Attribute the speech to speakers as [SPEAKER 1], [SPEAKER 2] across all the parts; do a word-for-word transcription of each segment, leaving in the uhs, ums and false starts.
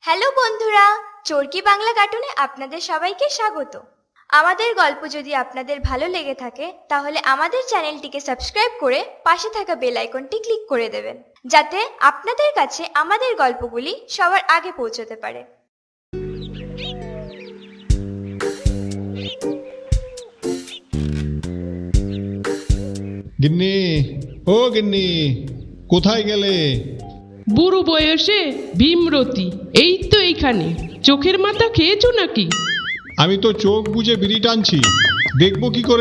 [SPEAKER 1] Hello বন্ধুরা, চরকি বাংলা কার্টুনে আপনাদের সবাইকে স্বাগত। আমাদের গল্প যদি আপনাদের ভালো লেগে থাকে তাহলে আমাদের চ্যানেলটিকে সাবস্ক্রাইব করে পাশে থাকা বেল আইকনটি ক্লিক করে দেবেন, যাতে আপনাদের কাছে আমাদের গল্পগুলি সবার আগে পৌঁছতে পারে।
[SPEAKER 2] গিন্নি, ও গিন্নি, কোথায় গেলে?
[SPEAKER 3] বুড়ো বয়সে ভীমরতি, এই তো এইখানে। চোখের মাথা খেয়েছো নাকি?
[SPEAKER 2] আমি তো চোখ বুজে বিড়ি টানছি, দেখবো কি করে?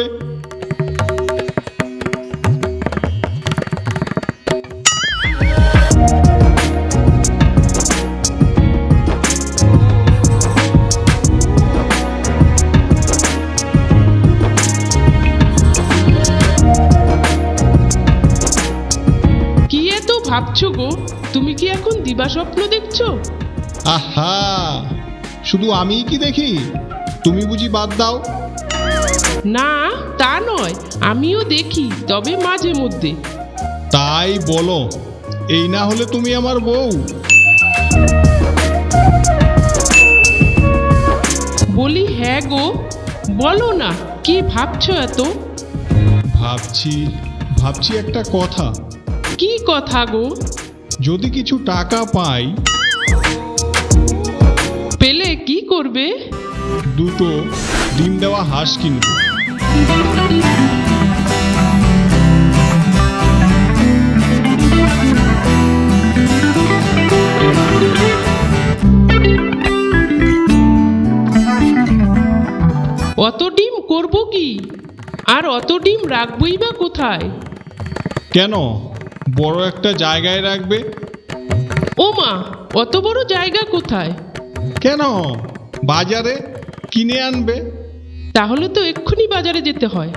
[SPEAKER 3] কি এত ভাবছো গো? তুমি কি এখন দিবাস্বপ্ন দেখছো?
[SPEAKER 2] আহা, শুধু আমিই কি দেখি? তুমি বুঝি বাদ দাও?
[SPEAKER 3] না, তা নয়, আমিও দেখি, তবে মাঝে মধ্যে।
[SPEAKER 2] তাই বলো, এই না হলে তুমি আমার বউ।
[SPEAKER 3] বলি হ্যাঁ গো, বলো না, কি ভাবছো এত?
[SPEAKER 2] ভাবছি ভাবছি একটা কথা।
[SPEAKER 3] কি কথা গো?
[SPEAKER 2] যদি কিছু টাকা পাই,
[SPEAKER 3] পেলে কি করবে?
[SPEAKER 2] দুটো ডিম দেওয়া হাঁস কিনবো।
[SPEAKER 3] অত ডিম করবো কি? আর অত ডিম রাখবই বা কোথায়?
[SPEAKER 2] কেন, বড় একটা জায়গায় রাখবে।
[SPEAKER 3] ও মা, অত বড় জায়গা কোথায়?
[SPEAKER 2] কেন, বাজারে কিনে আনবে।
[SPEAKER 3] তাহলে তো এক্ষুনি বাজারে যেতে হয়।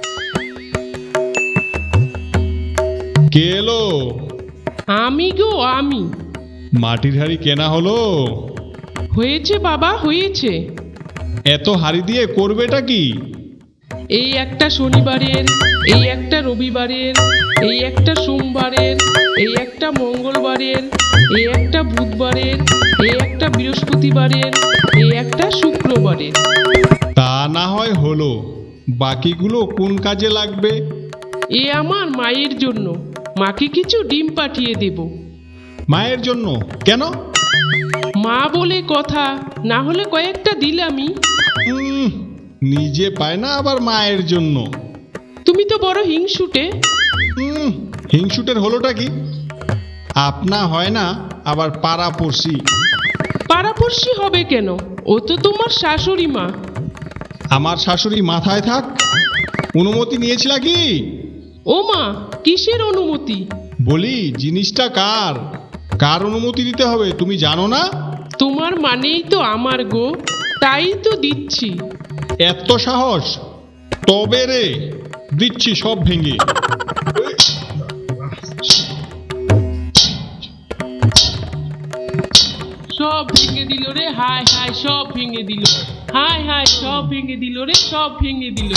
[SPEAKER 2] কে এলো?
[SPEAKER 3] আমি গো, আমি।
[SPEAKER 2] মাটির হাঁড়ি কেনা হলো?
[SPEAKER 3] হয়েছে বাবা, হয়েছে।
[SPEAKER 2] এত হাঁড়ি দিয়ে করবেটা কি?
[SPEAKER 3] এই একটা শনিবারের, এই একটা রবিবারের, এই একটা সোমবারের, এই একটা মঙ্গলবারের, এই একটা বুধবারের, এই একটা বৃহস্পতিবারের, এই একটা শুক্রবারের।
[SPEAKER 2] তা না হয় হলো, বাকিগুলো কোন কাজে লাগবে?
[SPEAKER 3] এ আমার মায়ের জন্য, মাকে কিছু ডিম পাঠিয়ে দেব।
[SPEAKER 2] মায়ের জন্য? কেন?
[SPEAKER 3] মা বলে কথা, না হলে কয়েকটা দিলামই।
[SPEAKER 2] উম, নিজে পায় না আবার মায়ের জন্য।
[SPEAKER 3] তুমি তো বড় হিংসুটে।
[SPEAKER 2] উম, হিংসুটের হলোটা কি? আপনা হয় না, আবার পাড়াপড়শি।
[SPEAKER 3] পাড়াপড়শি হবে কেন? ও তো তোমার শাশুড়ি মা।
[SPEAKER 2] আমার শাশুড়ি মাথায় থাক। অনুমতি নিয়েছিল কি?
[SPEAKER 3] ও মা, কিসের অনুমতি?
[SPEAKER 2] বলি, জিনিসটা কার কার অনুমতি দিতে হবে তুমি জানো না?
[SPEAKER 3] তোমার মানেই তো আমার গো, তাই তো দিচ্ছি।
[SPEAKER 2] এত সাহস? তবে রে, দিচ্ছি সব ভেঙে।
[SPEAKER 3] সব ভেঙে দিল রে, হায় হায়, সব ভেঙে দিল। হায় হায়, সব ভেঙে দিল রে, সব ভেঙে দিল।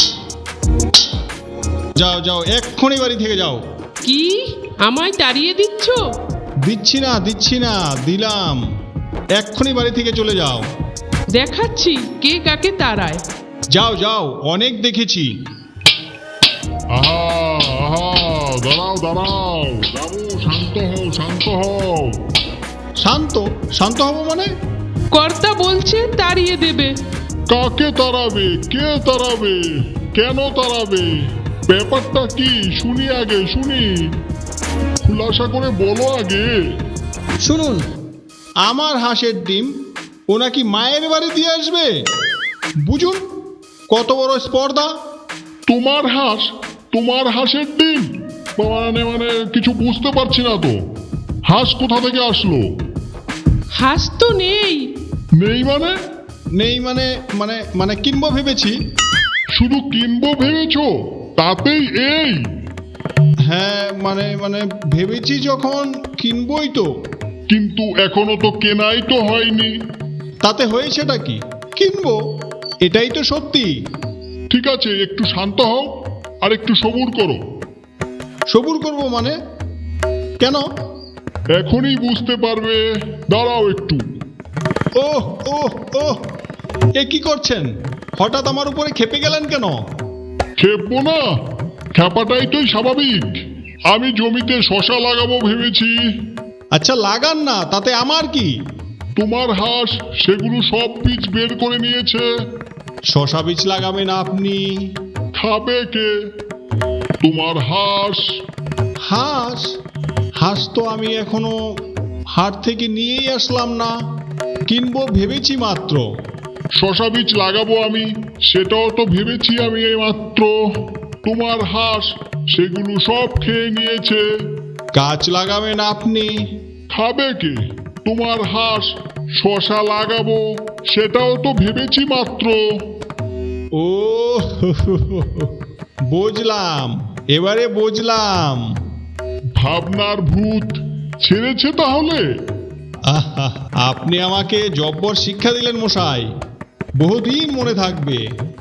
[SPEAKER 2] যাও যাও, এক্ষুনি বাড়ি থেকে যাও।
[SPEAKER 3] কি, আমায় তাড়িয়ে দিচ্ছ?
[SPEAKER 2] দিচ্ছি না দিচ্ছি না, দিলাম। এক্ষুনি বাড়ি থেকে চলে যাও।
[SPEAKER 3] দেখাচ্ছি কে কাকে তাড়ায়।
[SPEAKER 2] যাও যাও, অনেক দেখেছি।
[SPEAKER 4] আহা আহা, দাঁড়াও দাঁড়াও, বাবু শান্ত হও শান্ত হও।
[SPEAKER 2] শান্ত? শান্ত হব মানে?
[SPEAKER 3] কর্তা বলছে তাড়িয়ে দেবে।
[SPEAKER 4] কাকে তাড়াবে? কে তাড়াবে? কেন তাড়াবে? ব্যাপারটা কি শুনি, আগে শুনি, খুলাসা করে বলো আগে।
[SPEAKER 2] শুনুন, আমার হাঁসের ডিম ও নাকি মায়ের বাড়ি দিয়ে আসবে। বুঝুন কত বড় স্পর্ধা।
[SPEAKER 4] তোমার হাঁস? তোমার হাঁসের ডিম? মানে মানে কিছু বুঝতে পারছি না তো। হাঁস কোথা থেকে আসলো?
[SPEAKER 3] হাঁস তো নেই।
[SPEAKER 4] নেই মানে?
[SPEAKER 2] নেই মানে মানে মানে কিনবো ভেবেছি।
[SPEAKER 4] শুধু কিনবো ভেবেছো? তাতেই এই?
[SPEAKER 2] হ্যাঁ, মানে মানে ভেবেছি যখন, কিনবই তো।
[SPEAKER 4] কিন্তু এখনো তো কেনাই তো হয়নি।
[SPEAKER 2] তাতে হয়েছেটা কি? কিনবো, এটাই তো সত্যি।
[SPEAKER 4] ঠিক আছে, একটু শান্ত হও আর একটু সবুর করো।
[SPEAKER 2] সবুর করব মানে? কেন?
[SPEAKER 4] এখনই বুঝতে পারবে, দাঁড়াও একটু।
[SPEAKER 2] ওহ ওহ ওহ এ কি করছেন? হঠাৎ আমার উপরে খেপে গেলেন কেন?
[SPEAKER 4] খেপবো না, খেপাটাই তো স্বাভাবিক। আমি জমিতে শশা লাগাবো ভেবেছি।
[SPEAKER 2] আচ্ছা লাগান না, তাতে আমার কি?
[SPEAKER 4] তোমার হাঁস সেগুলো সব বীজ বের করে নিয়েছে।
[SPEAKER 2] শশা বীজ লাগাবেন আপনি?
[SPEAKER 4] খাবে কে? তোমার হাঁস।
[SPEAKER 2] হাঁস? হাঁস তো আমি এখনো হাট থেকে নিয়েই আসলাম না, কিনবো ভেবেছি মাত্র।
[SPEAKER 4] শশা বীজ লাগাবো আমি, সেটাও তো ভেবেছি আমি এই মাত্র। তোমার হাঁস সেগুলো সব খেয়ে নিয়েছে।
[SPEAKER 2] গাছ লাগাবেন আপনি?
[SPEAKER 4] খাবে কে? তোমার হাঁস। শশা লাগাবো, সেটাও তো ভেবেছি মাত্র।
[SPEAKER 2] ও বুঝলাম, এবারে বুঝলাম।
[SPEAKER 4] ভাবনার ভূত ছেড়েছে তাহলে।
[SPEAKER 2] আহা, আপনি আমাকে জব্বর শিক্ষা দিলেন মশাই, বহুদিন মনে থাকবে।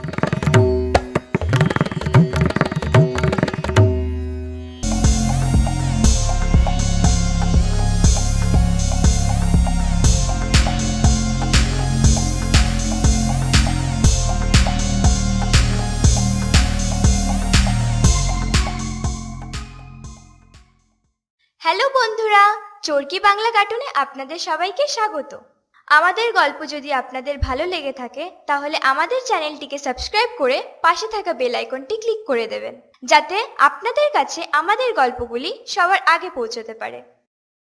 [SPEAKER 1] হ্যালো বন্ধুরা, চরকি বাংলা কার্টুনে আপনাদের সবাইকে স্বাগত। আমাদের গল্প যদি আপনাদের ভালো লেগে থাকে তাহলে আমাদের চ্যানেলটিকে সাবস্ক্রাইব করে পাশে থাকা বেল আইকনটি ক্লিক করে দেবেন, যাতে আপনাদের কাছে আমাদের গল্পগুলি সবার আগে পৌঁছতে পারে।